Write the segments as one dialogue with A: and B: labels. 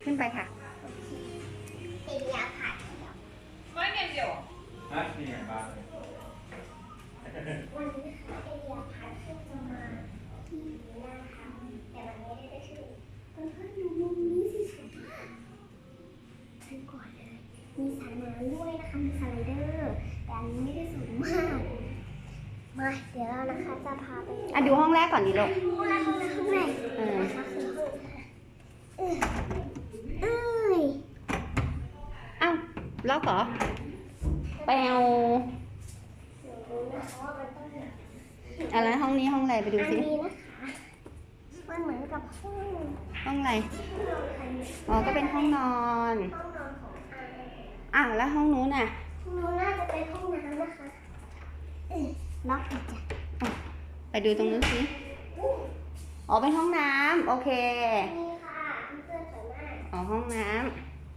A: ขึ้นไปค่ะ
B: เดียผัด
C: ไม่เงี้ยเดียว
D: ฮะนี่ไงบ้าง
B: วันนี้ค่ะเดียผัดขึ้นมาที่หน้าค่ะแต่มันไม่ได้ชื่อเพื่อนๆดูมุมนี้สิสวยมากฉันก่อนเลยมีสระน้ำด้วยนะคะมีสไลเดอร์แต่อันนี้ไม่ได้สูงมากมาเดี๋ยวเรานะคะจะพาไป
A: ดูห้องแรกก่อนดิลูก
B: ห้องแรกนะคะคือห้อง
A: อ้าวล็อกเหรอไปเอาอะไรห้องนี้ห้องอะไรไปดูสิ
B: อันนี้นะคะมันเหมือนกับ
A: ห้องอะไรอ๋อก็เป็นห้องนอน
B: ของ
A: แล้วห้องนู้นน่ะ
B: ห้องนู้นน่าจะเป็นห้องน้ำนะคะล็อกอีกจ้ะ
A: ไปดูตรงนู้นสิอ๋อเป็นห้องน้ำโอเค
B: นี่ค่ะเพื่อนสวยมาก
A: อ๋อห้องน้ำ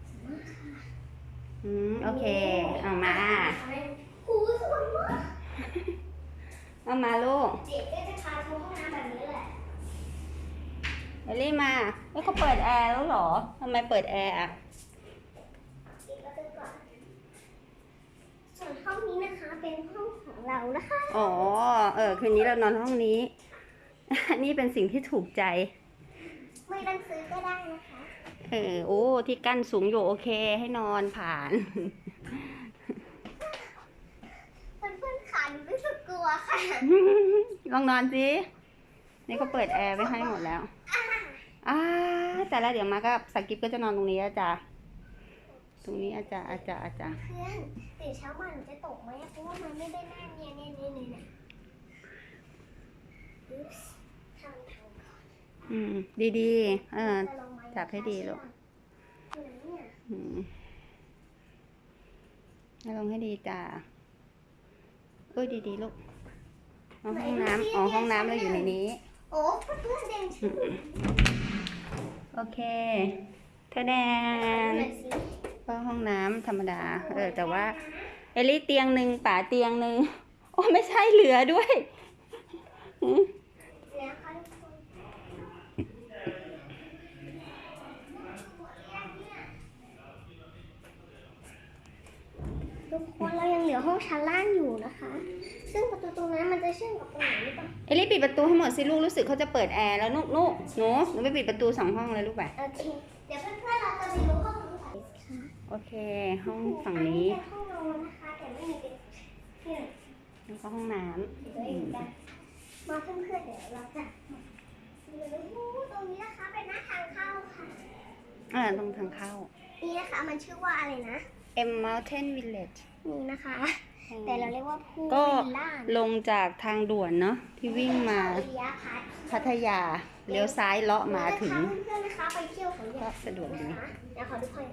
A: โอเคเอามา
B: หูสวยมาก
A: เอามาลูก
B: เด็กก็จะพาชมห้องน้ำแบบนี้แหละ
A: เอลลี่มาเขาเปิดแอร์แล้วเหรอทำไมเปิดแอร์อ่ะ
B: ส่วนห้องนี้นะคะเป็นห้องของเรานะคะ
A: อ๋อคืนนี้เรานอนห้องนี้ นี่เป็นสิ่งที่ถูกใจ
B: ไม่ต้องซื้อก็ได้นะคะ
A: โอ้ที่กั้นสูงอยู่โอเคให้นอนผ่าน
B: เพื่อนๆขาหนูรู้สึกกลัวค่ะ
A: ลองนอนสินี่เขาเปิดแอร์ไว้ให้หมดแล้วแต่แล้วเดี๋ยวมาก็สกิปก็จะนอนตรงนี้อาจารย์ตรงนี้อาจารย์
B: เพื่อนตื่นเช้ามาหนูจะตกไหมเพราะว่ามันไม่ได้แน่เนี่ย
A: ดีจับให้ดีลูกลงให้ดีจ้าดีลูกห้องน้ำห้องน้ำเราอยู่ในนี้
B: โอ้เพื่อนเด่น
A: โอเคเธอแดนก็ห้องน้ำธรรมดาแต่ว่าเอลลี่เตียงหนึ่งป๋าเตียงหนึ่งโอ้ไม่ใช่เหลือด้วย
B: ทุกคนเรายังเหลือห้องชั้นล่างอยู่นะคะซึ่งประตูตรงนั้นมันจะเชื่อมกับตรงไหนหรือเปล่า
A: เอลลี่ปิดประตูให้หมดสิลูกรู้สึกเขาจะเปิดแอร์แล้วหนูไปปิดประตู2 ห้องเลยลูกไป
B: โอเคเดี๋ยวเพื่อนๆเราจะไปดูห้องนี้ค่ะ
A: โอเคห้องฝั่งนี้
B: ห้องนอนนะคะแต่ไม่มีเป็น
A: แล้วก็ห้องน้ำ
B: มาเพื่อนๆเดี๋ยวเราจะตรงนี้นะคะเป็นหน้าทางเข้าค่ะ
A: ตรงทางเข้า
B: นี่นะคะมันชื่อว่าอะไรนะ
A: M Mountain Village
B: นี่นะคะแต่เราเรียกว่าพู
A: ก็ลงจากทางด่วนเนาะที่วิ่งมาพัทยาเลี้ยวซ้ายเลาะมาถึง
B: เพื่อนๆนะคะไปเที่ยวของ
A: ก็สะดวกดี
B: เดี๋ยวขอดูค่อย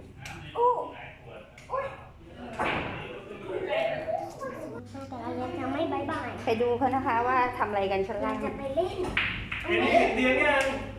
B: แต่เรายังไม่บายบาย
A: ไปดูเขานะคะว่าทำอะไรกันชั้นล่าง
B: จะไปเล่น
D: เตียงยัง